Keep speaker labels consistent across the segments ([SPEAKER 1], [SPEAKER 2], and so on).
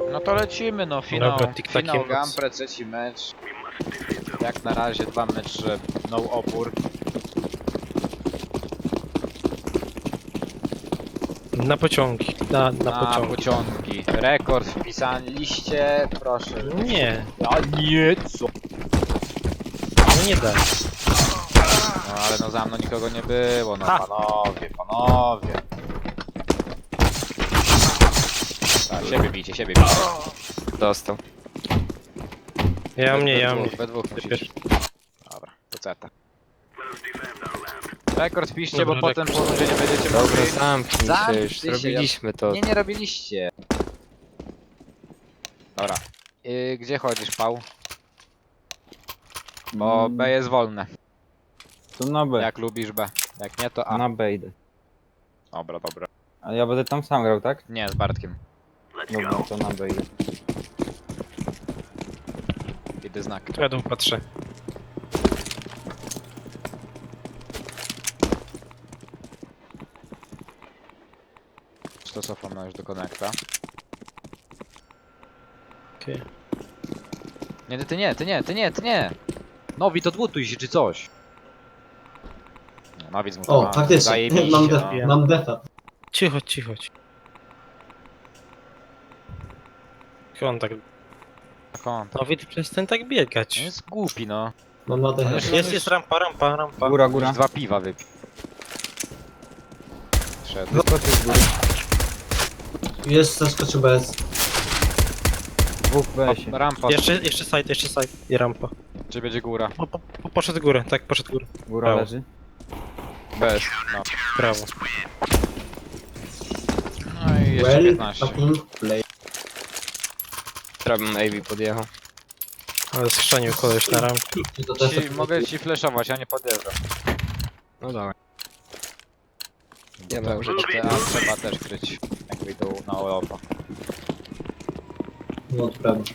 [SPEAKER 1] No to lecimy, no finał,
[SPEAKER 2] Dobra, tik-takiem
[SPEAKER 1] finał
[SPEAKER 2] moc.
[SPEAKER 1] Gampre, trzeci mecz. Jak na razie 2 mecze, no opór.
[SPEAKER 2] Na pociągi. Na
[SPEAKER 1] Na
[SPEAKER 2] pociągi.
[SPEAKER 1] pociągi. Rekord wpisaliście, proszę.
[SPEAKER 2] Nie,
[SPEAKER 1] A nie, co?
[SPEAKER 2] no nie daj.
[SPEAKER 1] No ale no za mną nikogo nie było, no
[SPEAKER 2] Ha.
[SPEAKER 1] panowie, panowie. Tak, siebie bijcie, siebie bijcie.
[SPEAKER 3] Dostał.
[SPEAKER 2] Ja mnie.
[SPEAKER 1] We dwóch
[SPEAKER 2] Ty
[SPEAKER 1] musicie. Dobra, to ceta. Rekord wpiszcie, bo
[SPEAKER 2] Dobra,
[SPEAKER 1] potem po rundzie nie będziecie
[SPEAKER 3] Dobra,
[SPEAKER 1] mogli.
[SPEAKER 3] zamknij się
[SPEAKER 1] Zamknij
[SPEAKER 3] już.
[SPEAKER 1] się,
[SPEAKER 3] Robiliśmy to.
[SPEAKER 1] Nie robiliście. Dobra. Gdzie chodzisz, Pał? Bo B jest wolne.
[SPEAKER 4] To na B.
[SPEAKER 1] Jak lubisz B. Jak nie, to A.
[SPEAKER 4] Na B idę.
[SPEAKER 1] Dobra, dobra.
[SPEAKER 4] A ja będę tam sam grał, tak?
[SPEAKER 1] Nie, z Bartkiem.
[SPEAKER 4] Dobra, to na B idę.
[SPEAKER 1] Idę znak.
[SPEAKER 2] Tu ja dół patrzę.
[SPEAKER 1] To cofam na już do konekta.
[SPEAKER 2] Okej.
[SPEAKER 1] Nie, ty nie! Nowi, to dwutuj się czy coś. No, Nowi zmutowany.
[SPEAKER 5] O, faktycznie,
[SPEAKER 1] Zajebiście,
[SPEAKER 5] mam,
[SPEAKER 1] no.
[SPEAKER 5] mam defa.
[SPEAKER 2] Cicho. On tak...
[SPEAKER 1] Kąt.
[SPEAKER 2] No widz, przestań tak biegać.
[SPEAKER 1] Jest głupi, no.
[SPEAKER 5] Mam na defa.
[SPEAKER 2] Jest rampa.
[SPEAKER 4] Góra,
[SPEAKER 1] Już
[SPEAKER 4] góra.
[SPEAKER 1] 2 piwa wypił. Szedł.
[SPEAKER 4] Wyskoczył z góry.
[SPEAKER 5] Jest zaskoczył bez.
[SPEAKER 4] Dwóch w B-sie.
[SPEAKER 1] Rampa.
[SPEAKER 2] Jeszcze side i rampa.
[SPEAKER 1] Czy będzie góra?
[SPEAKER 2] Poszedł górę, tak, poszedł górę.
[SPEAKER 4] Góra
[SPEAKER 2] Brawo.
[SPEAKER 4] leży.
[SPEAKER 1] Bez. No.
[SPEAKER 2] Brawo.
[SPEAKER 1] No i jeszcze
[SPEAKER 5] Well,
[SPEAKER 1] 15.
[SPEAKER 5] fucking play.
[SPEAKER 3] Trabem AV podjechał.
[SPEAKER 2] Ale schrzanił koleś na rampie.
[SPEAKER 5] To też
[SPEAKER 1] Mogę ci flashować, a nie podjeżdżam.
[SPEAKER 3] No dawaj.
[SPEAKER 1] Nie
[SPEAKER 3] Nie ma
[SPEAKER 1] może te A trzeba też kryć. Jak wyjdą na Europa.
[SPEAKER 5] No to prawda.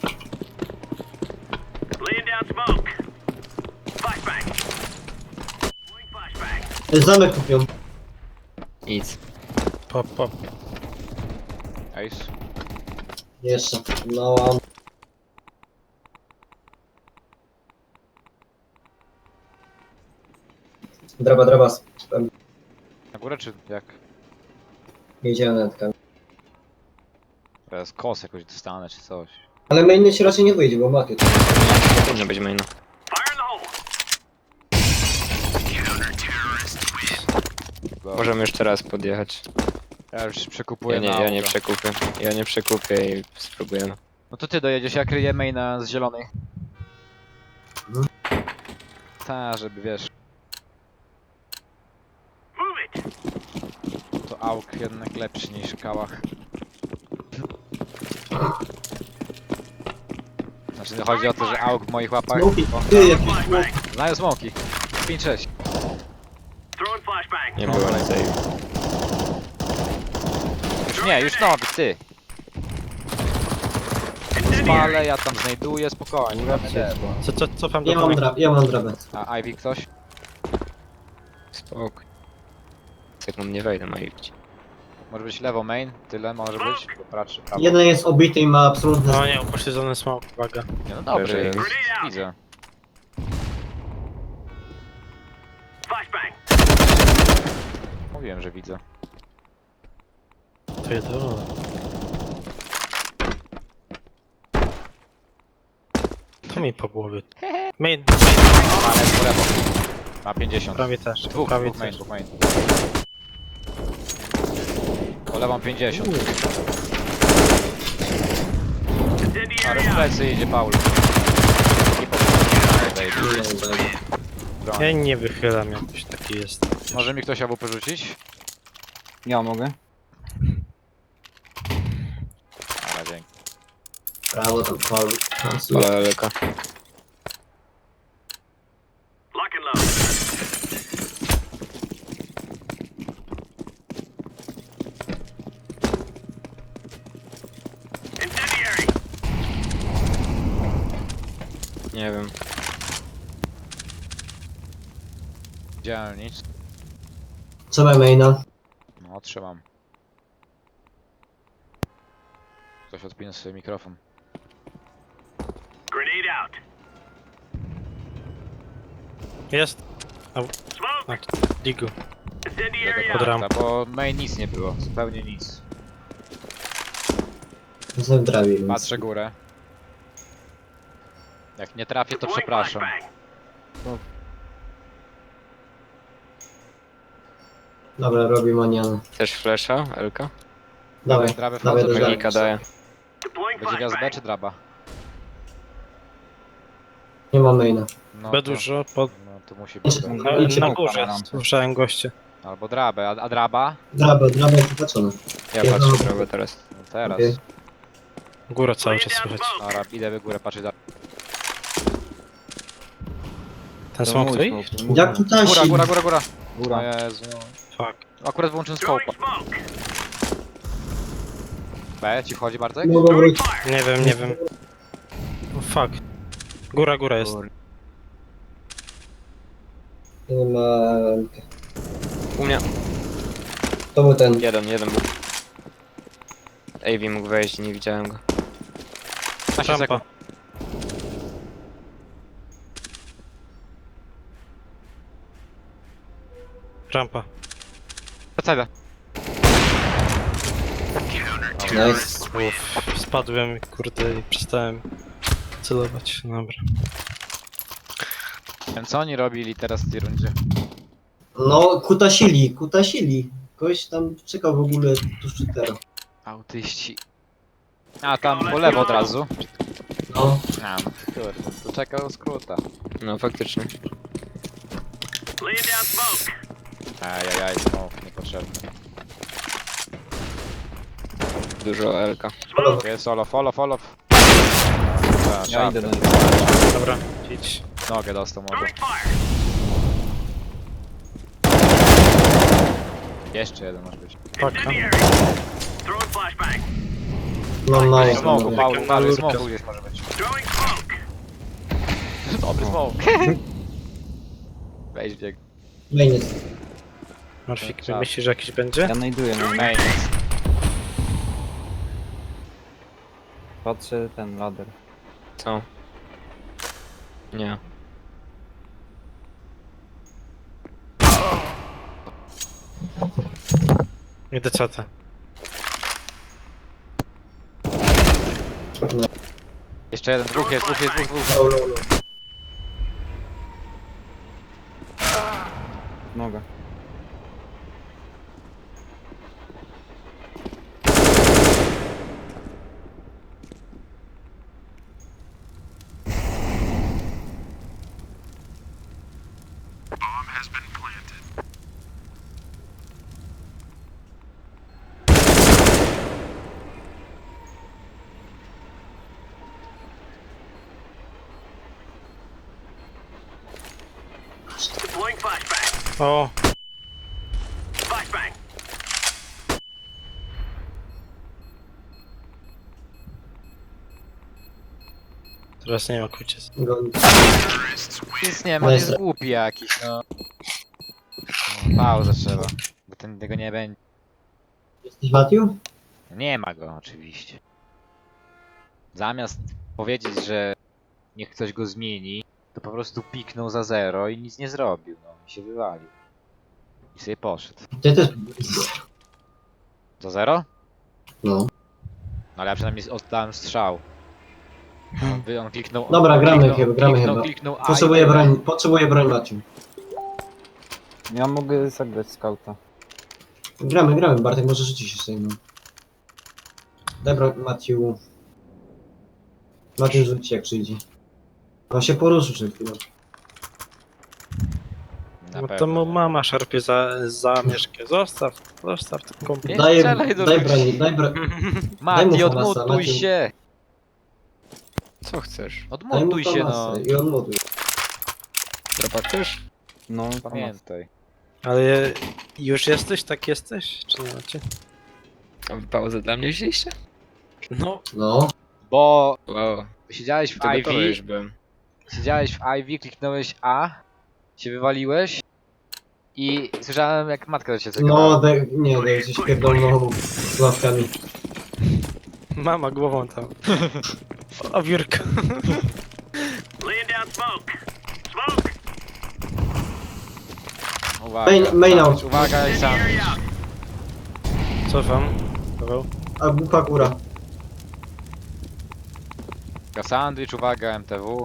[SPEAKER 5] Zamek kupią.
[SPEAKER 3] Nic.
[SPEAKER 2] Pop.
[SPEAKER 1] Ace.
[SPEAKER 5] Jeszcze. No. Draba.
[SPEAKER 1] Na górę czy jak?
[SPEAKER 5] Jedziemy na tkanię.
[SPEAKER 1] Teraz kos jakoś dostanę czy coś.
[SPEAKER 5] Ale mainny się raczej nie wyjdzie, bo maty.
[SPEAKER 3] Nie powinno być maina. Możemy jeszcze raz podjechać.
[SPEAKER 1] Ja już przekupuję
[SPEAKER 3] Ja
[SPEAKER 1] na
[SPEAKER 3] nie
[SPEAKER 1] auto.
[SPEAKER 3] przekupię. Ja nie przekupię i spróbujemy.
[SPEAKER 1] No to ty dojedziesz, ja kryję maina z zielonej.
[SPEAKER 5] Mhm.
[SPEAKER 1] Ta, żeby wiesz. To AUK jednak lepszy niż kałach. Znaczy chodzi o to, że AUK w moich łapach...
[SPEAKER 5] Smoki. Ty, jakiś smok.
[SPEAKER 1] Znają smoki. 5-6.
[SPEAKER 3] Nie było nic AV.
[SPEAKER 1] Już nie, już nowy, ty. Spalę, ja tam znajduję, spokojnie.
[SPEAKER 2] Cofam do
[SPEAKER 5] Ja mam drabę.
[SPEAKER 1] A Ivy ktoś?
[SPEAKER 3] Spokój. Sekund nie wejdę na AV.
[SPEAKER 1] Może być lewo main, tyle może być. Bo praczy prawo.
[SPEAKER 5] Jeden jest obity i ma absolutne...
[SPEAKER 2] No nie, upośledzony smoke, uwaga.
[SPEAKER 1] Nie, no dobry,
[SPEAKER 3] Leży.
[SPEAKER 1] widzę. Mówiłem, że widzę.
[SPEAKER 2] To jedyne. To mi po głowie. Main,
[SPEAKER 1] Ale po lewo. Ma 50.
[SPEAKER 2] prawie też.
[SPEAKER 1] Dwóch main, dwóch main. Po lewą 50. Ale w plecy idzie Paul. I po broń.
[SPEAKER 2] Ja nie wychylam, jakoś taki jest.
[SPEAKER 1] Może mi ktoś AWP rzucić?
[SPEAKER 4] Ja mogę.
[SPEAKER 1] Ale dzięki.
[SPEAKER 5] Prawo to pol.
[SPEAKER 3] Ale leka. Nie wiem.
[SPEAKER 1] Widziałem nic.
[SPEAKER 5] Co ma maina?
[SPEAKER 1] No, trzymam. Ktoś odpinał sobie mikrofon.
[SPEAKER 2] Jest. A, Digu. Pod rampą.
[SPEAKER 1] Bo main nic nie było, zupełnie nic.
[SPEAKER 5] Jestem w drawie, więc...
[SPEAKER 1] Patrzę górę. Jak nie trafię, to przepraszam.
[SPEAKER 5] Dobra, robi manianę.
[SPEAKER 3] Też flasha, Elka?
[SPEAKER 5] Dawaj,
[SPEAKER 1] Drabę
[SPEAKER 5] dawaj
[SPEAKER 1] wchodzę,
[SPEAKER 5] do
[SPEAKER 3] Magika
[SPEAKER 5] drawy.
[SPEAKER 3] daje.
[SPEAKER 1] Będzie gwiazd B czy draba?
[SPEAKER 5] Nie ma maina.
[SPEAKER 1] No
[SPEAKER 2] B
[SPEAKER 1] to-
[SPEAKER 2] dużo, pod...
[SPEAKER 1] No to musi być. B.
[SPEAKER 2] na,
[SPEAKER 4] Idźcie
[SPEAKER 2] na
[SPEAKER 4] mu
[SPEAKER 2] górze
[SPEAKER 4] na rampę.
[SPEAKER 2] słyszałem goście.
[SPEAKER 1] Albo drabę, a draba?
[SPEAKER 5] Draba jest wypatrzona.
[SPEAKER 3] Ja
[SPEAKER 5] Ja
[SPEAKER 3] patrzę
[SPEAKER 5] mam-
[SPEAKER 3] drogę teraz.
[SPEAKER 1] No teraz.
[SPEAKER 5] Okej.
[SPEAKER 2] Górę cały czas słychać.
[SPEAKER 1] Dobra, idę w górę patrzeć.
[SPEAKER 2] Ten
[SPEAKER 4] To
[SPEAKER 2] smok
[SPEAKER 4] mój
[SPEAKER 2] tutaj?
[SPEAKER 4] smoke.
[SPEAKER 5] Jak tu tasi?
[SPEAKER 1] Góra. O
[SPEAKER 4] Góra.
[SPEAKER 1] Jezu.
[SPEAKER 2] Fuck.
[SPEAKER 1] Akurat wyłączyłem scope'a. B, ci wchodzi Bartek?
[SPEAKER 5] Mogą wrócić.
[SPEAKER 2] Nie wiem. Oh, fuck. Góra jest.
[SPEAKER 5] Nie ma...
[SPEAKER 3] U mnie.
[SPEAKER 5] To był ten.
[SPEAKER 3] Jeden był. AV mógł wejść, nie widziałem go.
[SPEAKER 1] 15
[SPEAKER 2] Rampa.
[SPEAKER 1] sekund.
[SPEAKER 2] Rampa.
[SPEAKER 1] Wracaj.
[SPEAKER 5] Nice.
[SPEAKER 2] Uff, spadłem, kurde, i przestałem celować. Dobra.
[SPEAKER 1] Wiem co oni robili teraz w tej rundzie?
[SPEAKER 5] No, kutasili. Ktoś tam czekał w ogóle tuż przed teraz.
[SPEAKER 1] Autyści. A tam po lewo od razu.
[SPEAKER 5] No,
[SPEAKER 1] A, kurde, to czekał skróta.
[SPEAKER 3] No faktycznie.
[SPEAKER 1] Ajajaj, smoke, niepotrzebny.
[SPEAKER 3] Dużo Elka.
[SPEAKER 1] Jest solo, follow.
[SPEAKER 4] Ja idę do niego.
[SPEAKER 2] Dobra, idź.
[SPEAKER 1] Nogę dostał może. Jeszcze jeden może być.
[SPEAKER 2] Paka.
[SPEAKER 5] mam mało.
[SPEAKER 1] Smoku,
[SPEAKER 5] panowie.
[SPEAKER 1] Paulu,
[SPEAKER 2] malurka.
[SPEAKER 1] smoku gdzieś może być. Dobry smoke. Weź bieg.
[SPEAKER 5] Main jest.
[SPEAKER 2] Marfik,
[SPEAKER 1] Czas.
[SPEAKER 2] myślisz, że jakiś będzie?
[SPEAKER 4] Ja znajduję, no.
[SPEAKER 1] Main.
[SPEAKER 4] Patrzę ten ladder.
[SPEAKER 3] Co? Nie.
[SPEAKER 2] Idę CT.
[SPEAKER 1] Jeszcze jeden, dwóch jest.
[SPEAKER 4] Noga.
[SPEAKER 2] O! Teraz nie ma kuciec.
[SPEAKER 1] Nic nie ma, to jest głupi jakiś, no. Pauza trzeba, bo tego nie będzie.
[SPEAKER 5] Jesteś Matthew?
[SPEAKER 1] Nie ma go oczywiście. Zamiast powiedzieć, że niech ktoś go zmieni, to po prostu piknął za 0 i nic nie zrobił, no. I się wywalił. I sobie poszedł.
[SPEAKER 5] Ty też.
[SPEAKER 1] Za 0?
[SPEAKER 5] No.
[SPEAKER 1] No ale ja przynajmniej oddałem strzał. On kliknął...
[SPEAKER 5] Dobra,
[SPEAKER 1] on
[SPEAKER 5] gramy
[SPEAKER 1] kliknął,
[SPEAKER 5] chyba, gramy
[SPEAKER 1] kliknął,
[SPEAKER 5] chyba.
[SPEAKER 1] Kliknął A
[SPEAKER 5] Potrzebuję broń Matthew.
[SPEAKER 4] Ja mogę zagrać skauta.
[SPEAKER 5] Gramy, Bartek może rzucić się sobie, no. Daj broń Matthew. Matthew rzuci jak przyjdzie. On się poruszył przed chwilą.
[SPEAKER 1] Na
[SPEAKER 2] No to
[SPEAKER 1] pewno.
[SPEAKER 2] mu mama szarpie za mieszkę. Zostaw ten komputer.
[SPEAKER 1] Nie strzelaj do
[SPEAKER 5] Daj
[SPEAKER 1] ludzi.
[SPEAKER 5] broń.
[SPEAKER 1] Mati,
[SPEAKER 5] mu Hamasa,
[SPEAKER 1] odmutuj
[SPEAKER 5] Mati.
[SPEAKER 1] się!
[SPEAKER 3] Co chcesz?
[SPEAKER 5] Daj mu
[SPEAKER 1] Odmutuj się, no.
[SPEAKER 5] Hamasa i odmutuj.
[SPEAKER 3] Dropa chcesz?
[SPEAKER 4] No,
[SPEAKER 1] Pamiętaj.
[SPEAKER 2] Ale już jesteś? Tak jesteś? Czy nie macie?
[SPEAKER 3] A wy pauzę dla mnie wzięliście?
[SPEAKER 2] No.
[SPEAKER 5] No.
[SPEAKER 1] Bo
[SPEAKER 3] Wow.
[SPEAKER 1] siedziałeś w
[SPEAKER 3] To gotowy
[SPEAKER 1] Ivy,
[SPEAKER 3] już byłem.
[SPEAKER 1] kliknąłeś A, się wywaliłeś i słyszałem jak matka do ciebie
[SPEAKER 5] No,
[SPEAKER 1] czekała.
[SPEAKER 5] daj się pierdolną z ławkami.
[SPEAKER 2] Mama głową tam. O biurko.
[SPEAKER 1] Uwaga,
[SPEAKER 5] Main out.
[SPEAKER 1] sandwich, uwaga i sandwich.
[SPEAKER 2] Cofam. Paweł.
[SPEAKER 5] A bucha góra.
[SPEAKER 1] Uwaga, sandwich, uwaga, MTW.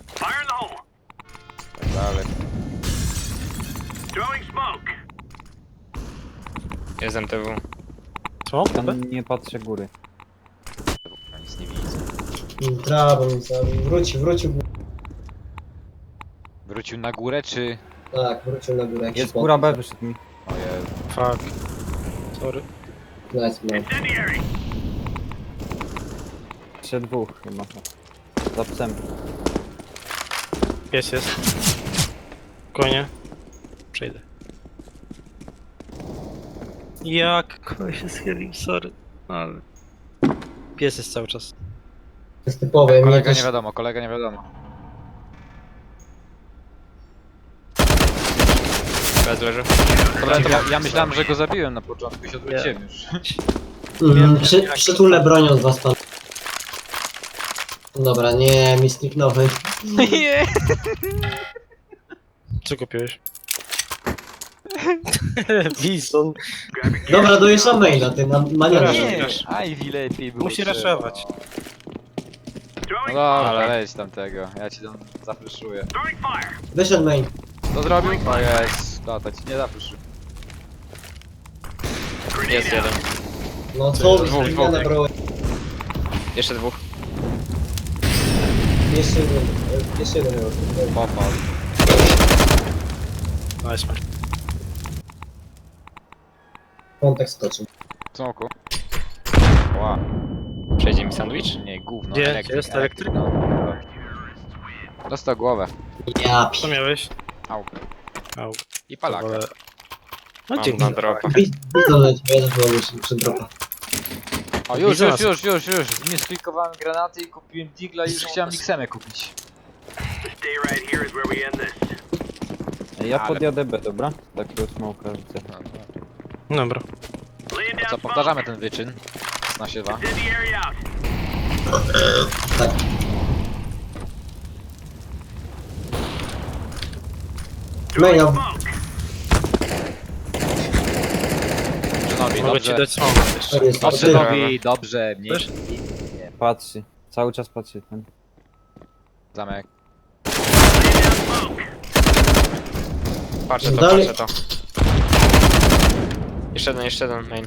[SPEAKER 1] Tak dalej.
[SPEAKER 3] Jest MTW.
[SPEAKER 2] Co?
[SPEAKER 4] Tam nie patrzę góry.
[SPEAKER 1] Ja nic nie widzę.
[SPEAKER 5] Brawo, mi zabił. Wrócił.
[SPEAKER 1] Wrócił na górę, czy...
[SPEAKER 5] Tak, wrócił na górę. jak się
[SPEAKER 4] Jest góra B,
[SPEAKER 5] podniósł.
[SPEAKER 4] wyszedł mi.
[SPEAKER 1] O Jezu.
[SPEAKER 2] Fuck. Sorry.
[SPEAKER 5] Nice, man.
[SPEAKER 4] Jeszcze dwóch chyba. Za psem.
[SPEAKER 2] Pies jest. Konie. Przejdę. Jak koleś się schylił, sorry. Ale... Pies jest cały czas.
[SPEAKER 5] To jest typowe. Mnie
[SPEAKER 1] Kolega
[SPEAKER 5] też...
[SPEAKER 1] nie wiadomo, kolega nie wiadomo.
[SPEAKER 3] Bez leży.
[SPEAKER 1] Dobra, to ja myślałem, że go zabiłem na początku i się odwróciłem już.
[SPEAKER 5] Przytulę bronią od was pan. Dobra, nie, mi zniknąły.
[SPEAKER 1] Nie.
[SPEAKER 2] Co kupiłeś? Bison.
[SPEAKER 5] Dobra, dojeżdżam maila, ty na maniarze.
[SPEAKER 2] Nie.
[SPEAKER 1] Ivy lepiej było.
[SPEAKER 2] Musi
[SPEAKER 1] trzeba.
[SPEAKER 2] raszować.
[SPEAKER 1] No dobra, leć tamtego, ja ci tam zafreszuję.
[SPEAKER 5] Wyszedł main.
[SPEAKER 1] Co zrobił? O jest, tata ci nie zafreszy.
[SPEAKER 3] Jest jeden.
[SPEAKER 5] No co,
[SPEAKER 3] Dwóch.
[SPEAKER 5] zmiana broni.
[SPEAKER 3] Jeszcze dwóch.
[SPEAKER 5] Jeszcze jeden.
[SPEAKER 1] Popal.
[SPEAKER 2] Nice man.
[SPEAKER 5] Kontekst skoczył.
[SPEAKER 1] Cmoku. Ła,
[SPEAKER 3] Przejdzie mi sandwich?
[SPEAKER 1] nie, gówno.
[SPEAKER 2] Gdzie?
[SPEAKER 1] elektryk,
[SPEAKER 2] Jest elektryk?
[SPEAKER 1] No. Dostał głowę.
[SPEAKER 5] Ja
[SPEAKER 2] Co miałeś?
[SPEAKER 1] Au.
[SPEAKER 2] Au.
[SPEAKER 1] I palaka.
[SPEAKER 2] Ale... No
[SPEAKER 3] Mam
[SPEAKER 2] dzięki.
[SPEAKER 3] na dropa.
[SPEAKER 5] Widzę na ciebie, ja też byłem przy dropa.
[SPEAKER 1] O, już.
[SPEAKER 2] Widzę
[SPEAKER 1] Nie sklikowałem granaty i kupiłem digla i już chciałem Xemę kupić.
[SPEAKER 4] Ja
[SPEAKER 1] Ale-
[SPEAKER 4] podjadę B, dobra? Takiego smoka rzucę.
[SPEAKER 2] Dobra.
[SPEAKER 1] Co, powtarzamy ten wyczyn z nasiewa.
[SPEAKER 5] Tak. Main out.
[SPEAKER 1] Brzynowi,
[SPEAKER 2] Mogę ci
[SPEAKER 1] dobrze.
[SPEAKER 2] dać smoke jeszcze.
[SPEAKER 5] Tak jest.
[SPEAKER 1] Brzynowi, dobrze, mniej.
[SPEAKER 2] Też?
[SPEAKER 4] Patrzy. Cały czas patrzy ten.
[SPEAKER 1] Zamek.
[SPEAKER 3] Patrzę to,
[SPEAKER 5] Dalej.
[SPEAKER 3] patrzę to. Jeszcze jeden, main.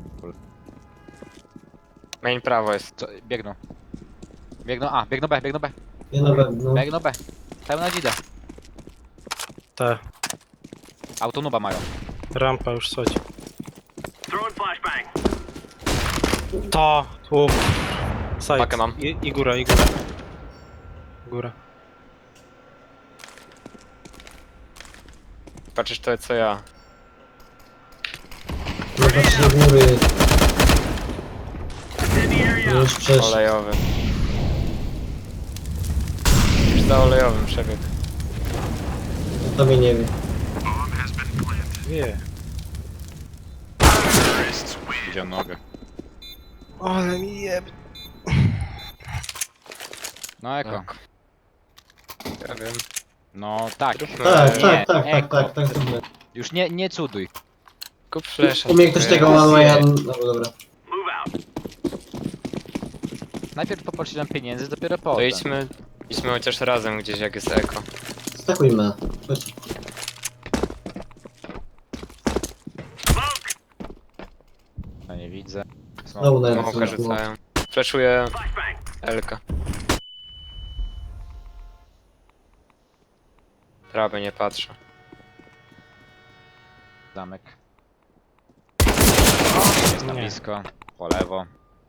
[SPEAKER 3] Main prawo jest.
[SPEAKER 1] Co, biegną. Biegną B.
[SPEAKER 5] Nie na pewno.
[SPEAKER 1] Biegną B. Pełna dzida.
[SPEAKER 2] Ta
[SPEAKER 1] Autonuba mają.
[SPEAKER 2] rampa już schodzi. To! Tu. Side.
[SPEAKER 3] Pakę mam.
[SPEAKER 2] I góra. Góra.
[SPEAKER 3] Patrzysz to co ja.
[SPEAKER 5] Nie patrz do góry. Już przeszedł.
[SPEAKER 3] Olejowy. Już za olejowym przebieg.
[SPEAKER 5] To mnie nie wie.
[SPEAKER 2] Nie.
[SPEAKER 1] Widział nogę.
[SPEAKER 2] Ale mi jeb...
[SPEAKER 1] No eko.
[SPEAKER 3] Tak. Ja wiem.
[SPEAKER 1] No tak.
[SPEAKER 5] Tak,
[SPEAKER 1] Nie,
[SPEAKER 5] tak,
[SPEAKER 1] eko.
[SPEAKER 5] zróbmy.
[SPEAKER 1] Już nie cuduj.
[SPEAKER 3] Kup flasha.
[SPEAKER 5] Umie ktoś tego ma, ja... No dobra.
[SPEAKER 1] Najpierw poprosiłem pieniędzy, dopiero
[SPEAKER 3] To
[SPEAKER 1] potem.
[SPEAKER 3] idźmy chociaż razem gdzieś jak jest eko.
[SPEAKER 5] Stakujmy. Chodź.
[SPEAKER 1] No nie widzę.
[SPEAKER 5] Znowu na
[SPEAKER 3] Smoka rzucają. Flashuję Elka. Prawy nie patrzę.
[SPEAKER 1] Zamek. Jest na
[SPEAKER 2] Nie.
[SPEAKER 1] blisko. Po lewo.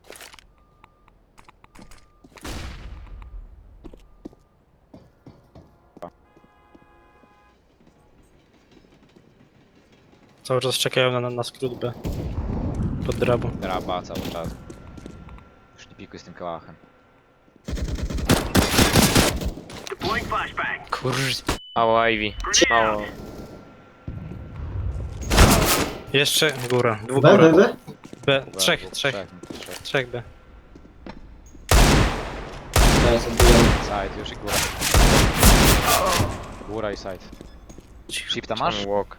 [SPEAKER 2] Cały czas czekają na skrót B. Pod drabą.
[SPEAKER 1] Draba cały czas. Już nie pikuj z tym kałachem.
[SPEAKER 3] Kurz. Mało Ivy. Mało.
[SPEAKER 2] Jeszcze góra. Dwóch
[SPEAKER 5] B,
[SPEAKER 2] góra.
[SPEAKER 5] B, B?
[SPEAKER 2] B.
[SPEAKER 1] Dwóch,
[SPEAKER 2] Trzech.
[SPEAKER 1] trzech.
[SPEAKER 2] Trzech B.
[SPEAKER 5] Nice, odbijam.
[SPEAKER 1] Side, już i góra. Góra i side. Shifta masz?
[SPEAKER 3] Czemu walk?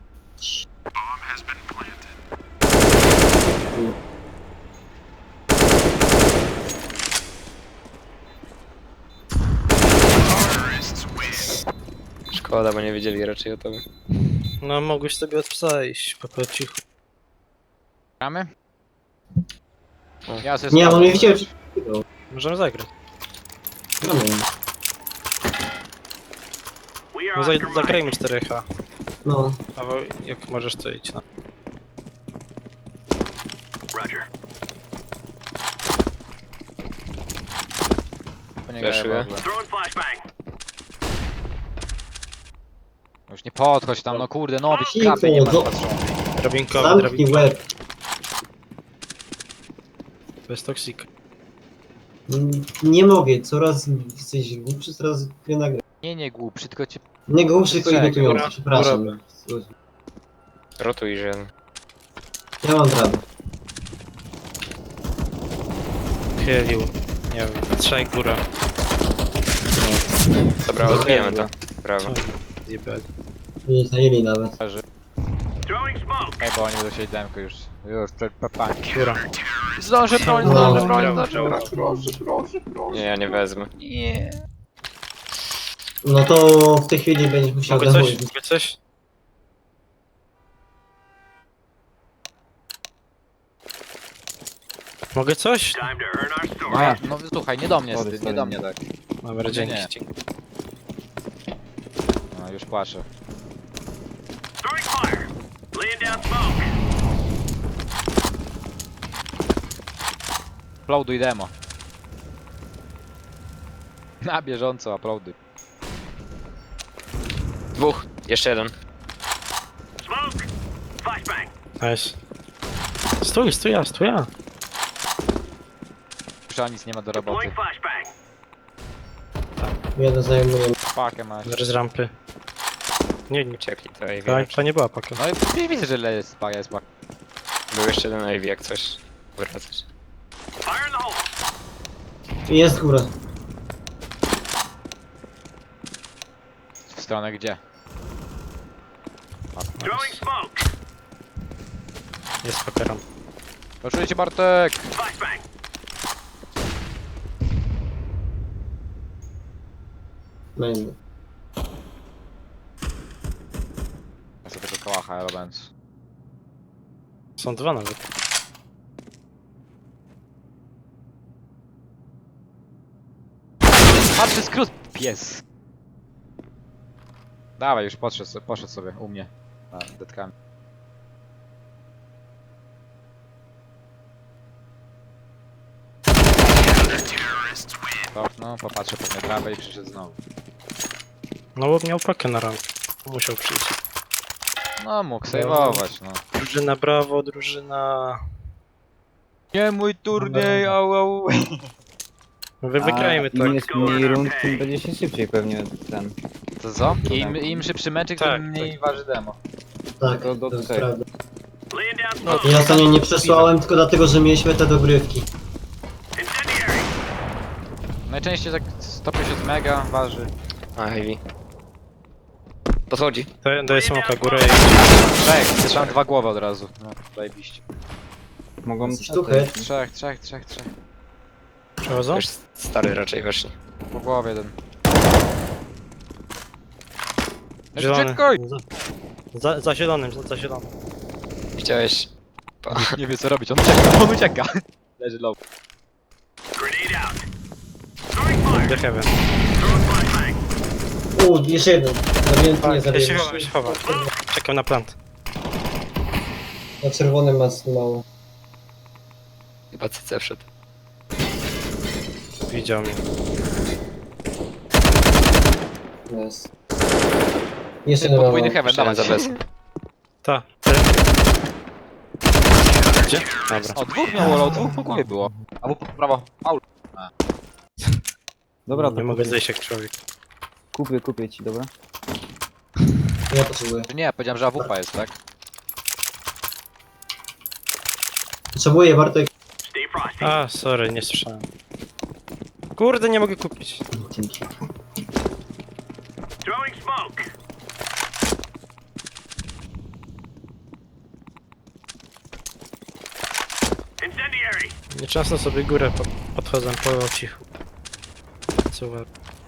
[SPEAKER 3] Szkoda, bo nie wiedzieli raczej o tobie.
[SPEAKER 2] No mogłeś sobie od psa iść, po cichu.
[SPEAKER 1] Gramy?
[SPEAKER 3] O.
[SPEAKER 1] Ja sobie
[SPEAKER 5] Nie, on
[SPEAKER 1] sprawdzę.
[SPEAKER 5] mnie widział, że...
[SPEAKER 2] Możemy zagrać.
[SPEAKER 5] Gramy.
[SPEAKER 2] No zagrajmy 4H.
[SPEAKER 5] No.
[SPEAKER 2] Albo jak możesz to idź, no.
[SPEAKER 1] To nie
[SPEAKER 3] Flashuję.
[SPEAKER 1] gra w ogóle. Już nie podchodź tam, no kurde, no
[SPEAKER 5] Cicho,
[SPEAKER 1] klapy nie masz
[SPEAKER 5] no.
[SPEAKER 1] patrzone.
[SPEAKER 2] Drabinkowy,
[SPEAKER 5] Zamknij
[SPEAKER 2] drabinkowy.
[SPEAKER 5] łeb.
[SPEAKER 2] Bez toksika.
[SPEAKER 5] Nie mogę, coraz jesteś głupszy, coraz grę na grę.
[SPEAKER 1] Nie głupszy, tylko cię...
[SPEAKER 5] Nie głupszy, tylko
[SPEAKER 1] Czekaj,
[SPEAKER 5] irytujący,
[SPEAKER 2] góra,
[SPEAKER 5] przepraszam.
[SPEAKER 3] Rotuj, że...
[SPEAKER 5] Ja mam radę.
[SPEAKER 2] Chylił. Nie wiem, trzaj góra.
[SPEAKER 3] Dobra, odbijemy to. Brawo.
[SPEAKER 2] Zjebali.
[SPEAKER 5] Nie zajęli nawet.
[SPEAKER 1] Ej, bo oni będą siedzieć demko już. Już, papanki.
[SPEAKER 2] Góra.
[SPEAKER 1] Zdążę broń,
[SPEAKER 5] No.
[SPEAKER 1] zdążę broń,
[SPEAKER 2] Brawo,
[SPEAKER 1] zdążę
[SPEAKER 2] brawo.
[SPEAKER 1] broń.
[SPEAKER 3] Nie, ja nie wezmę.
[SPEAKER 1] Nie.
[SPEAKER 5] No to w tej chwili będziesz musiał
[SPEAKER 2] Mogę coś?
[SPEAKER 5] zamówić.
[SPEAKER 2] Mogę coś? Mogę coś?
[SPEAKER 1] No słuchaj, nie do mnie,
[SPEAKER 4] Sorry,
[SPEAKER 1] nie
[SPEAKER 4] sorry.
[SPEAKER 1] do mnie tak.
[SPEAKER 2] Dobra,
[SPEAKER 1] Nie.
[SPEAKER 2] dzięki.
[SPEAKER 1] No już płaczę. Uploaduj demo. Na bieżąco uploaduj.
[SPEAKER 3] Dwóch. Jeszcze jeden.
[SPEAKER 2] Nice. Stój ja.
[SPEAKER 1] Już nic nie ma do roboty.
[SPEAKER 5] Jeden zajmuje.
[SPEAKER 1] Pakę masz.
[SPEAKER 2] Z rampy. Nie,
[SPEAKER 3] Uciekli to Ivy.
[SPEAKER 2] to nie była paka.
[SPEAKER 1] No i widzę, że jest paka, jest paka.
[SPEAKER 3] Był jeszcze jeden Ivy, jak coś. Wracać.
[SPEAKER 5] Jest góra.
[SPEAKER 1] W stronę gdzie?
[SPEAKER 2] Jest paka ramp.
[SPEAKER 1] Poczuję cię, Bartek!
[SPEAKER 5] Będę.
[SPEAKER 1] Ja sobie tego kałacha, Elobens.
[SPEAKER 2] Są dwa nawet.
[SPEAKER 1] Patrzy skrót, pies! Dawaj, już poszedł sobie u mnie. A, detkami. No, popatrzę pewnie trawę i przyszedł znowu.
[SPEAKER 2] No bo miał pakę na ramp. Musiał przyjść.
[SPEAKER 1] No, mógł sejwować, no.
[SPEAKER 2] Drużyna brawo, drużyna...
[SPEAKER 1] Nie mój turniej, au au.
[SPEAKER 2] Wy wygrajmy
[SPEAKER 4] Im
[SPEAKER 2] tak.
[SPEAKER 4] jest mniej rund, tym będzie się szybciej pewnie ten.
[SPEAKER 1] To co? Im szybszy meczyk,
[SPEAKER 2] Tak,
[SPEAKER 1] tym mniej waży demo.
[SPEAKER 5] Tak,
[SPEAKER 4] To do
[SPEAKER 5] to jest
[SPEAKER 4] tutaj.
[SPEAKER 5] prawda.
[SPEAKER 2] No,
[SPEAKER 5] Ja ostatnio nie przesłałem tylko dlatego, że mieliśmy te dogrywki.
[SPEAKER 1] Najczęściej tak 150 mega waży.
[SPEAKER 3] A, Ivy. Podchodzi.
[SPEAKER 2] daję smoka górę i...
[SPEAKER 1] Trzech, tam dwa głowy od razu. No, zajebiście.
[SPEAKER 4] Mogą
[SPEAKER 5] Sztukę.
[SPEAKER 1] Trzech.
[SPEAKER 2] Przechodzą?
[SPEAKER 3] Już stary raczej weszli.
[SPEAKER 1] Po głowie jeden.
[SPEAKER 2] Zielony.
[SPEAKER 1] Czekaj!
[SPEAKER 2] Za zielonym, za zielonym.
[SPEAKER 3] Chciałeś...
[SPEAKER 1] Nie wie co robić, on ucieka. Leży low.
[SPEAKER 2] The heaven.
[SPEAKER 5] Jeszcze jeden. Zabiłem, nie
[SPEAKER 2] Ja
[SPEAKER 5] zabiłem.
[SPEAKER 2] się chowam. Czekam na plant.
[SPEAKER 5] Na czerwonym ma mało.
[SPEAKER 3] Chyba CC wszedł.
[SPEAKER 2] Widział mnie.
[SPEAKER 5] Jest. Jeszcze jeden
[SPEAKER 1] Podwójny
[SPEAKER 5] mało.
[SPEAKER 1] heaven,
[SPEAKER 3] Jeszcze jeden
[SPEAKER 1] dawaj.
[SPEAKER 3] za bez.
[SPEAKER 2] Ta. Gdzie? Dobra.
[SPEAKER 1] O, dwóch miało low, dwóch po głowie było. Albo po prawo. Aul.
[SPEAKER 4] Dobra, to
[SPEAKER 2] Nie mogę zejść jak człowiek.
[SPEAKER 4] kupię ci, dobra?
[SPEAKER 5] Ja potrzebuję.
[SPEAKER 1] Nie, powiedziałem, że AWP jest, tak?
[SPEAKER 5] Potrzebuję, Bartek.
[SPEAKER 2] A, sorry, nie słyszałem. Kurde, nie mogę kupić.
[SPEAKER 5] Dzięki.
[SPEAKER 2] Nieczęsto sobie górę podchodzę po cichu. Super.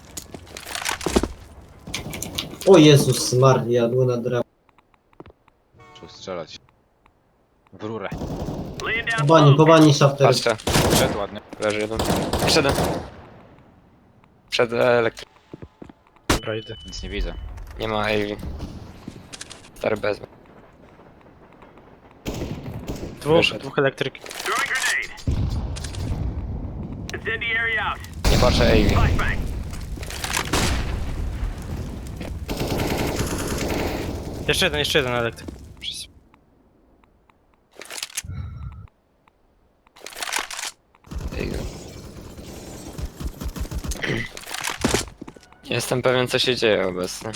[SPEAKER 5] O Jezus Maria, Luna Dra.
[SPEAKER 1] Trzeba strzelać. W rurę.
[SPEAKER 5] Po bani shafter.
[SPEAKER 3] Patrzcie,
[SPEAKER 1] Przed ładnie.
[SPEAKER 3] leży jeden. Przed. Przed elektrykiem.
[SPEAKER 2] Dobra, idę.
[SPEAKER 1] Nic nie widzę.
[SPEAKER 3] Nie ma AV. Stary bez. Wyszedł.
[SPEAKER 2] Dwóch elektryk.
[SPEAKER 3] Nie patrzę AV.
[SPEAKER 2] Jeszcze jeden elektryk. Przez-
[SPEAKER 3] Nie jestem pewien, co się dzieje obecnie.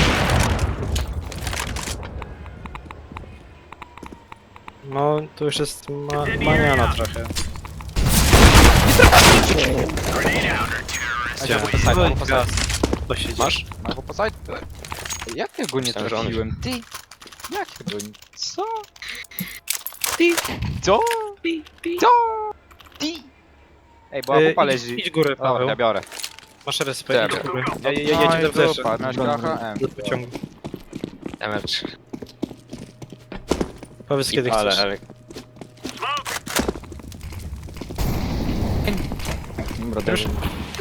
[SPEAKER 2] No, tu już jest maniana trochę.
[SPEAKER 1] Ej, albo po side, albo po side.
[SPEAKER 2] To się dzieje.
[SPEAKER 3] Masz?
[SPEAKER 1] Albo po side. Jak ja go nie
[SPEAKER 3] Myślałem, że on-
[SPEAKER 1] trafiłem? Ty! Jak ja go nie... Co? Ty! Co? Co? Ty! Ej, bo AWP leży.
[SPEAKER 2] Idź górę,
[SPEAKER 1] Dobra,
[SPEAKER 2] Paweł.
[SPEAKER 1] ja biorę.
[SPEAKER 2] Masz respekt, idź
[SPEAKER 3] Dobra.
[SPEAKER 2] górę. Jedzie do flesza.
[SPEAKER 1] Miałeś KHM.
[SPEAKER 2] Do pociągu.
[SPEAKER 3] Damage.
[SPEAKER 2] Powiedz kiedy chcesz.
[SPEAKER 3] Ale
[SPEAKER 4] Dobra,
[SPEAKER 2] Już?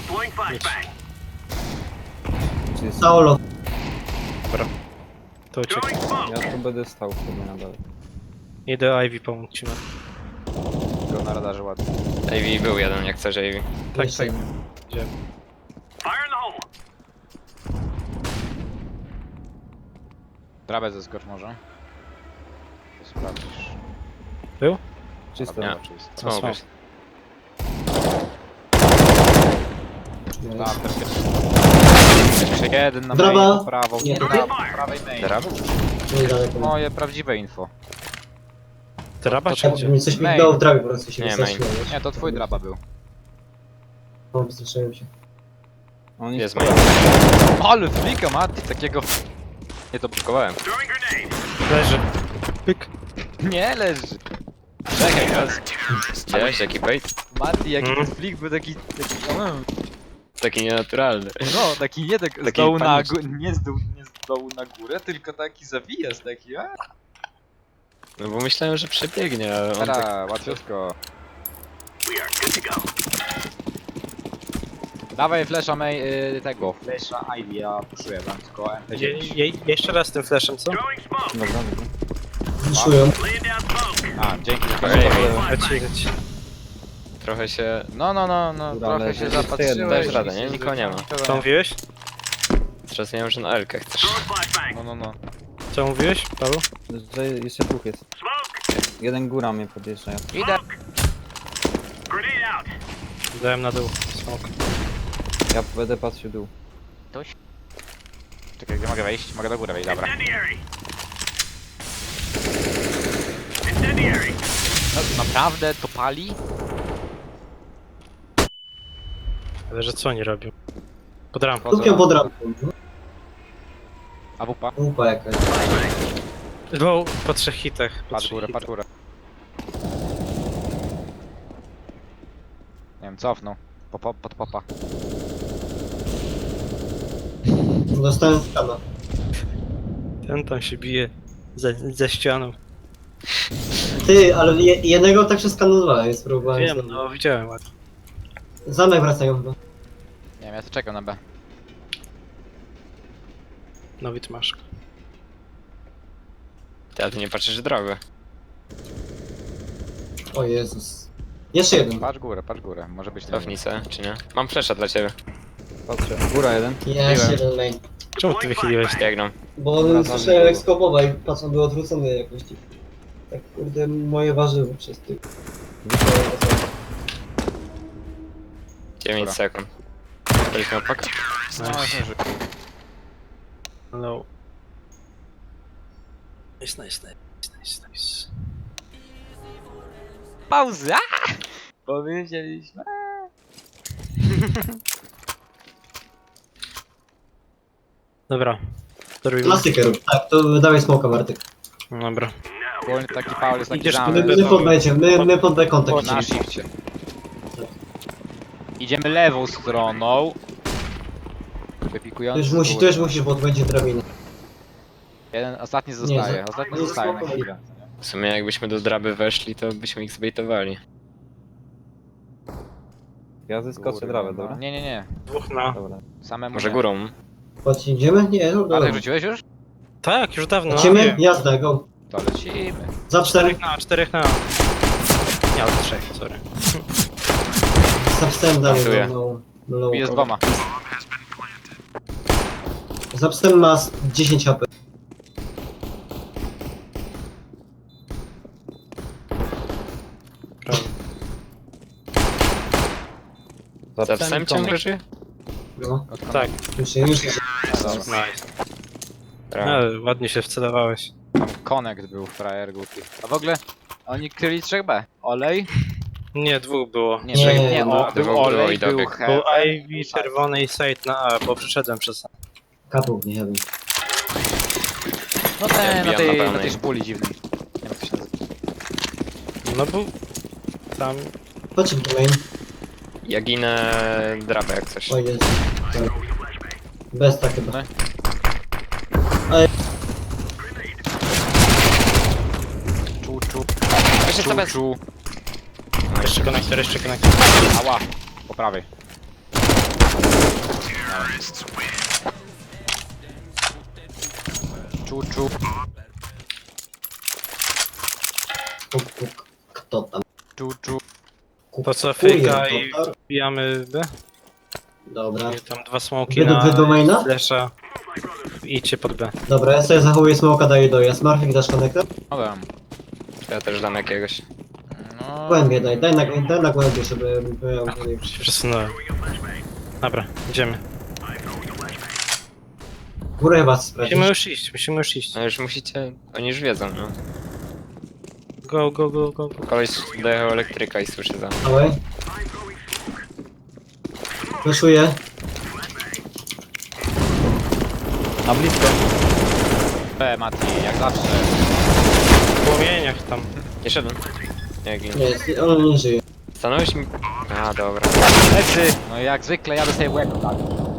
[SPEAKER 4] Idź.
[SPEAKER 5] Saulo.
[SPEAKER 2] To uciekaj.
[SPEAKER 4] Ja tu będę stał sobie na dole.
[SPEAKER 2] Idę Ivy pomóc ci.
[SPEAKER 1] Go na radarze ładnie.
[SPEAKER 3] AV był jeden, jak chcesz AV.
[SPEAKER 2] Tak,
[SPEAKER 5] Jeszcze
[SPEAKER 2] tak.
[SPEAKER 5] jeden.
[SPEAKER 2] Idziemy.
[SPEAKER 1] Drabę zeskocz może. To sprawdzisz.
[SPEAKER 4] Czysto.
[SPEAKER 3] Nie.
[SPEAKER 1] Czysto.
[SPEAKER 3] Co mogłeś?
[SPEAKER 1] Tak, też jeszcze jeden na
[SPEAKER 5] Draba.
[SPEAKER 1] main, prawą.
[SPEAKER 5] Nie,
[SPEAKER 1] na
[SPEAKER 5] tutaj.
[SPEAKER 1] prawej main.
[SPEAKER 3] Drab?
[SPEAKER 5] Niedaleko.
[SPEAKER 1] Moje prawdziwe info.
[SPEAKER 2] Draba czy
[SPEAKER 5] Tak,
[SPEAKER 2] gdzie?
[SPEAKER 5] mi coś
[SPEAKER 1] Main.
[SPEAKER 5] migało w drawie po prostu się
[SPEAKER 3] Nie,
[SPEAKER 5] wystraszyłem.
[SPEAKER 1] Nie, to twój draba był.
[SPEAKER 5] No, wystraszyłem się.
[SPEAKER 4] On
[SPEAKER 3] Jest
[SPEAKER 4] jest
[SPEAKER 3] main.
[SPEAKER 1] Ale flika Mati, takiego... Nie to blokowałem.
[SPEAKER 2] Leży. Pyk.
[SPEAKER 1] Nie leży. Czekaj teraz.
[SPEAKER 3] Widziałeś jaki bait?
[SPEAKER 1] Mati, jaki
[SPEAKER 2] Mhm.
[SPEAKER 1] ten flik był taki...
[SPEAKER 3] Taki nienaturalny.
[SPEAKER 1] No, taki nie tak z
[SPEAKER 3] Taki
[SPEAKER 1] dołu na
[SPEAKER 3] paniczny.
[SPEAKER 1] górę, nie z dołu na górę, tylko taki zawijaz, taki
[SPEAKER 3] No bo myślałem, że przebiegnie, ale on tak...
[SPEAKER 1] Dobra, łatwiutko. Dawaj flesza tego, flesza Ivy, ja puszuję wam tylko MP9.
[SPEAKER 2] Jeszcze raz tym flashem, co?
[SPEAKER 4] Dobra, dobra.
[SPEAKER 5] Wyszują.
[SPEAKER 1] A, dzięki.
[SPEAKER 2] Leci.
[SPEAKER 3] Trochę się...
[SPEAKER 1] No,
[SPEAKER 4] Dobra,
[SPEAKER 1] trochę
[SPEAKER 4] ale
[SPEAKER 1] się
[SPEAKER 4] jeszcze
[SPEAKER 1] zapatrzyłeś.
[SPEAKER 4] jeden.
[SPEAKER 3] Dajesz radę, nie? Nikogo nie ma.
[SPEAKER 2] Co mówiłeś?
[SPEAKER 3] Zrozumiałem, że na Elkę chcesz.
[SPEAKER 1] No.
[SPEAKER 2] Co mówiłeś, Paweł?
[SPEAKER 4] Że jeszcze dwóch jest. Jeden góra mnie podjeżdża.
[SPEAKER 1] Idę.
[SPEAKER 2] Dałem na dół. Smoke.
[SPEAKER 4] Ja będę patrzył dół.
[SPEAKER 1] Czekaj, gdzie mogę wejść? Mogę do góry wejść, dobra. No, naprawdę to pali?
[SPEAKER 2] Ale że co oni robią? Pod rampą.
[SPEAKER 5] Kupią pod rampą.
[SPEAKER 1] AWP,
[SPEAKER 5] Łupa jakaś.
[SPEAKER 2] Dwóch po 3 hitach. Po
[SPEAKER 1] patrz
[SPEAKER 2] 3
[SPEAKER 1] górę,
[SPEAKER 2] hitach.
[SPEAKER 1] patrz górę. Nie wiem, cofnął. Pod popa.
[SPEAKER 5] Dostałem skana.
[SPEAKER 2] Ten tam się bije ze ścianą.
[SPEAKER 5] Ty, ale jednego tak przeskanowałem, więc próbowałem.
[SPEAKER 2] Wiem, no widziałem ładnie.
[SPEAKER 5] Zamek wracają chyba.
[SPEAKER 1] Nie wiem, ja to czekam na B.
[SPEAKER 2] No Witmaszka.
[SPEAKER 3] Ty, ale ty nie patrzysz drogę.
[SPEAKER 5] O Jezus. Jeszcze jeden.
[SPEAKER 1] Patrz górę, może być
[SPEAKER 3] Cofnij se, czy nie? Mam flesza dla ciebie.
[SPEAKER 4] Patrzę. Góra jeden.
[SPEAKER 5] Jeszcze jeden main.
[SPEAKER 2] Czemu ty wychyliłeś?
[SPEAKER 3] Biegną.
[SPEAKER 5] Bo on słyszałem jak skopował i patrz, on był odwrócony jakoś. Tak kurde, moje warzywo przez ty.
[SPEAKER 3] 9
[SPEAKER 1] Dobra.
[SPEAKER 3] sekund. Będziesz miał pakę?
[SPEAKER 1] No, myślę, że...
[SPEAKER 2] No. Nice.
[SPEAKER 1] Pauza! Powiedzieliśmy.
[SPEAKER 2] Dobra. Zrobimy.
[SPEAKER 5] Klasykę rób. Tak, to dawaj smoka, Bartek.
[SPEAKER 2] Dobra.
[SPEAKER 1] Ogólnie taki Paul jest taki
[SPEAKER 2] Idziesz
[SPEAKER 1] zamysł.
[SPEAKER 2] pod-
[SPEAKER 5] My pod będzie, my pod B kontakt.
[SPEAKER 1] Na shifcie. Idziemy lewą stroną. Wypikujący z
[SPEAKER 5] Tu już
[SPEAKER 1] góry.
[SPEAKER 5] musisz, bo tu będzie drabina.
[SPEAKER 1] Jeden, ostatni zostaje, ostatni
[SPEAKER 5] nie
[SPEAKER 1] zostaje na
[SPEAKER 5] spokojnie.
[SPEAKER 1] chwilę.
[SPEAKER 3] W sumie jakbyśmy do draby weszli, to byśmy ich zbejtowali.
[SPEAKER 4] Ja zyskoczę
[SPEAKER 1] Kurwa,
[SPEAKER 4] trawę,
[SPEAKER 1] no.
[SPEAKER 4] dobra?
[SPEAKER 1] Nie.
[SPEAKER 2] Dwóch na.
[SPEAKER 4] Dobra.
[SPEAKER 1] Samemu
[SPEAKER 3] Może
[SPEAKER 1] nie.
[SPEAKER 3] górą?
[SPEAKER 5] Chodź, idziemy? Nie, no dobra.
[SPEAKER 1] Bartek, rzuciłeś już?
[SPEAKER 2] Tak, już dawno.
[SPEAKER 5] Lecimy? Jazda, go.
[SPEAKER 1] To lecimy.
[SPEAKER 5] Za 4.
[SPEAKER 2] 4 na. Nie, ale 3, sorry.
[SPEAKER 5] Za wstęp dalej.
[SPEAKER 3] Pasuje.
[SPEAKER 5] No,
[SPEAKER 1] Bije z dwoma.
[SPEAKER 5] za wstęp ma 10 HP.
[SPEAKER 2] Prawo.
[SPEAKER 3] Za psem ciągle żyje?
[SPEAKER 5] No,
[SPEAKER 2] Tak,
[SPEAKER 5] już.
[SPEAKER 1] Dobra.
[SPEAKER 2] nice.
[SPEAKER 3] Brawo.
[SPEAKER 2] Ale ładnie się wcelowałeś.
[SPEAKER 1] Tam connect był frajer głupi. A w ogóle oni kryli 3B. Olej?
[SPEAKER 2] Nie, dwóch było.
[SPEAKER 1] Nie,
[SPEAKER 5] Nie,
[SPEAKER 1] nie,
[SPEAKER 5] no,
[SPEAKER 1] o,
[SPEAKER 3] dwóch
[SPEAKER 1] był
[SPEAKER 3] było
[SPEAKER 1] olej,
[SPEAKER 3] i
[SPEAKER 1] był
[SPEAKER 3] dobieg.
[SPEAKER 2] Był
[SPEAKER 1] heaven.
[SPEAKER 2] Ivy, czerwony i side na A, bo przyszedłem przez A.
[SPEAKER 5] Kapów, nie wiem.
[SPEAKER 1] No ten,
[SPEAKER 3] Ja
[SPEAKER 1] na
[SPEAKER 3] wbijam
[SPEAKER 1] tej,
[SPEAKER 3] na
[SPEAKER 1] na
[SPEAKER 3] pełnej.
[SPEAKER 1] tej szpuli dziwnej. Nie wiem jak to się nazywa.
[SPEAKER 2] No był tam.
[SPEAKER 5] Chodź w main.
[SPEAKER 3] Ja ginę drabę jak coś.
[SPEAKER 5] O jest. Bez tak chyba.
[SPEAKER 1] No. Czu.
[SPEAKER 3] Jeszcze sobie
[SPEAKER 1] Czu.
[SPEAKER 2] Jeszcze konektor, jeszcze konektor.
[SPEAKER 1] Ała. Po prawej. Czu.
[SPEAKER 5] Kto tam?
[SPEAKER 1] Czu.
[SPEAKER 2] Po co
[SPEAKER 5] Kupuje
[SPEAKER 2] fejka i
[SPEAKER 5] to,
[SPEAKER 2] wbijamy B?
[SPEAKER 5] Dobra.
[SPEAKER 2] I tam dwa smoki
[SPEAKER 5] Wy do maina?
[SPEAKER 2] flesza. Idźcie pod B.
[SPEAKER 5] Dobra, ja sobie zachowuję smoka, daję dojazd. Marfik, dasz konektor?
[SPEAKER 1] No dam.
[SPEAKER 3] Ja też dam jakiegoś.
[SPEAKER 1] No.
[SPEAKER 5] Głębiej daj na głębiej, żeby miał...
[SPEAKER 2] Się przesunąłem. Dobra, idziemy.
[SPEAKER 5] Górę chyba sprawdzić.
[SPEAKER 2] Musimy już iść.
[SPEAKER 3] No już musicie, oni już wiedzą, no.
[SPEAKER 2] Go.
[SPEAKER 3] Koleś dojechał elektryka i słyszy za.
[SPEAKER 5] Dawaj. Wyszuję.
[SPEAKER 4] Na blisko.
[SPEAKER 1] B, Mati, jak zawsze.
[SPEAKER 2] W płomieniach tam.
[SPEAKER 3] Jeszcze jeden. Nie, gin.
[SPEAKER 5] Nie, jest, on nie żyje.
[SPEAKER 3] Stanąłeś mi... A, dobra.
[SPEAKER 1] Lecy! No i jak zwykle jadę sobie w łeb, tak.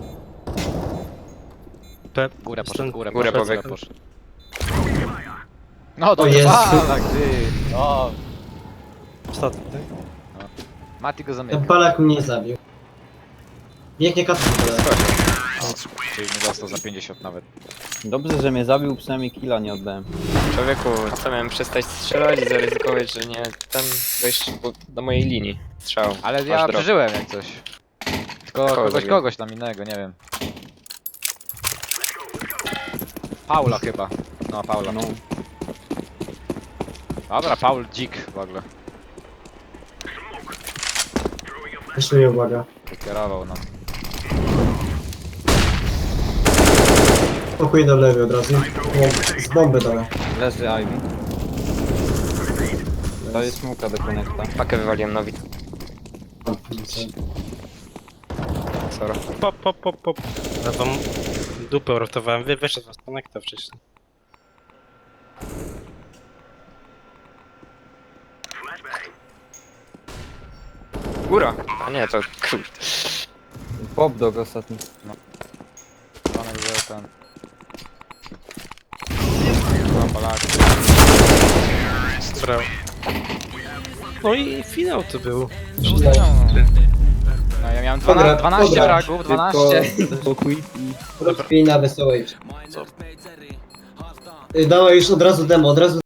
[SPEAKER 2] B.
[SPEAKER 1] Górę poszedł,
[SPEAKER 2] Stąd-
[SPEAKER 1] górę
[SPEAKER 3] Górę
[SPEAKER 1] poszedł,
[SPEAKER 3] pobiegł.
[SPEAKER 1] No to
[SPEAKER 5] O Jezu.
[SPEAKER 1] tak, ty. No.
[SPEAKER 2] Ostatni, tak?
[SPEAKER 1] Mati go
[SPEAKER 5] Ten
[SPEAKER 1] zamyka.
[SPEAKER 5] palak mnie zabił. Biegnie katą.
[SPEAKER 1] Czyli nie dostał za 50 nawet.
[SPEAKER 4] Dobrze, że mnie zabił, przynajmniej killa nie oddałem.
[SPEAKER 3] Człowieku, co miałem przestać strzelać i zaryzykować, że nie tam wejść do mojej linii strzał.
[SPEAKER 1] Ale
[SPEAKER 3] Masz
[SPEAKER 1] ja
[SPEAKER 3] drop.
[SPEAKER 1] przeżyłem jak coś. Tylko
[SPEAKER 3] Kogo zabiłem?
[SPEAKER 1] kogoś tam innego, nie wiem. Paula chyba. No, Paula.
[SPEAKER 4] No.
[SPEAKER 1] Dobra, Paul dzik w ogóle.
[SPEAKER 5] Wyszuję, uwaga.
[SPEAKER 1] Wykierował nam.
[SPEAKER 5] Pokój do lewej od razu. Z bomby dałem.
[SPEAKER 4] Leży Ivy. To jest smoka do konekta.
[SPEAKER 3] Pakę wywaliłem nowi. Sorry.
[SPEAKER 2] Pop. Ja wam dupę uratowałem. Wyszedł was konekta wcześniej.
[SPEAKER 3] Góra! A nie, to kurde.
[SPEAKER 4] Pop dog ostatni.
[SPEAKER 1] Panek, że ten... No, Polaki.
[SPEAKER 2] Brawo. No i finał to był.
[SPEAKER 1] No ja miałem
[SPEAKER 5] Dobra,
[SPEAKER 1] 12
[SPEAKER 5] dobra.
[SPEAKER 1] fragów, 12.
[SPEAKER 4] Tylko quit i...
[SPEAKER 5] Rozpij na wesołej. Dawaj już od razu demo,